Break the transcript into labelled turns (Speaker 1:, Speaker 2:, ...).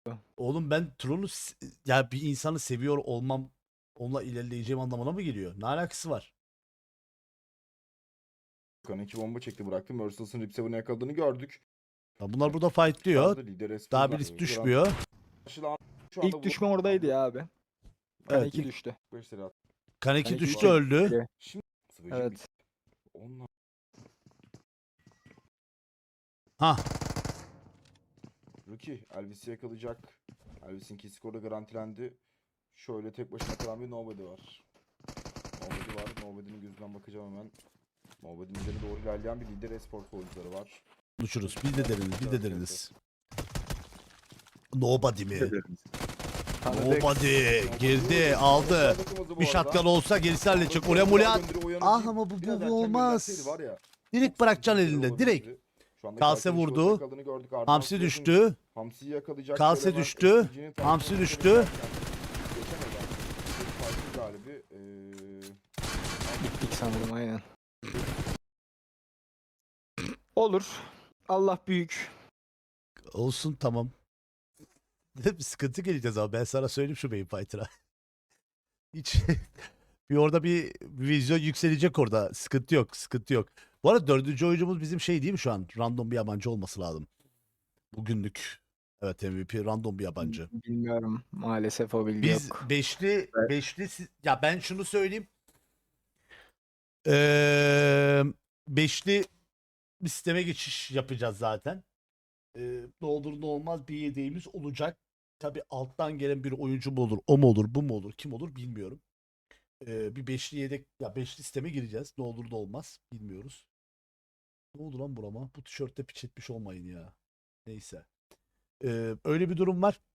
Speaker 1: Oğlum ben Tron'u ya bir insanı seviyor olmam onunla ilerleyeceğim anlamına mı geliyor? Ne alakası var?
Speaker 2: İki bomba çekti bıraktı. Merciless'ın Rip 7'ı yakaladığını gördük.
Speaker 1: Ya bunlar burada fightlıyor.
Speaker 2: Lider
Speaker 1: Daha
Speaker 2: Espos'da.
Speaker 1: birisi düşmüyor.
Speaker 2: Şu anda
Speaker 3: İlk düşme oradaydı ya abi.
Speaker 1: Evet,
Speaker 3: Kaneki düştü.
Speaker 1: Kaneki
Speaker 3: Kaneki
Speaker 1: düştü
Speaker 3: düştü.
Speaker 1: öldü.
Speaker 2: Şimdi
Speaker 3: Evet.
Speaker 2: Onunla
Speaker 1: Ha
Speaker 2: Rookie Elvis'i yakalayacak. Elvis'in ki skoru garantilendi. Şöyle tek başına kalan bir Nobody var. Nobody var. Nobody'nin gözünden bakacağım hemen. Nobody'nin üzerine doğru ilerleyen bir lider esport oyuncuları var.
Speaker 1: konuşuruz. Biz de deriniz. Biz de deriniz. Nobody mi?
Speaker 3: Tanıdık.
Speaker 1: Nobody. Girdi. Aldı. Bir şatkan olsa gerisi halledecek. Oraya mulya. Ah ama bu olmaz. Direkt bırakacaksın elinde. Direkt. Kalse vurdu. Hamsi düştü.
Speaker 2: Hamsi'yi yakalayacak.
Speaker 1: Kalse
Speaker 2: Şöyle hemen
Speaker 1: düştü.
Speaker 2: SPG'nin
Speaker 1: Hamsi
Speaker 2: tarafına
Speaker 1: düştü.
Speaker 2: geçemeden bir farklı galibi.
Speaker 3: Bittik sanırım aynen. Olur. Allah büyük.
Speaker 1: Olsun tamam. Bir sıkıntı geleceğiz ama ben sana söyleyeyim şu Main Fighter'a. Hiç bir orada bir vizyon yükselecek orada. Sıkıntı yok. Sıkıntı yok. Bu arada dördüncü oyuncumuz bizim şey değil mi şu an? Random bir yabancı olması lazım. Bugünlük. Evet MVP random bir yabancı.
Speaker 3: Bilmiyorum. Maalesef o bilgi
Speaker 1: Biz
Speaker 3: yok.
Speaker 1: beşli ya ben şunu söyleyeyim. Beşli bir sisteme geçiş yapacağız zaten. Ne olur ne olmaz bir yedeğimiz olacak. Tabi alttan gelen bir oyuncu mu olur, o mu olur, bu mu olur, kim olur bilmiyorum. Bir beşli yedek, ya beşli sisteme gireceğiz. Ne olur ne olmaz bilmiyoruz. Ne oldu lan burama? Bu tişörtte piç etmiş olmayın ya. Neyse. Öyle bir durum var.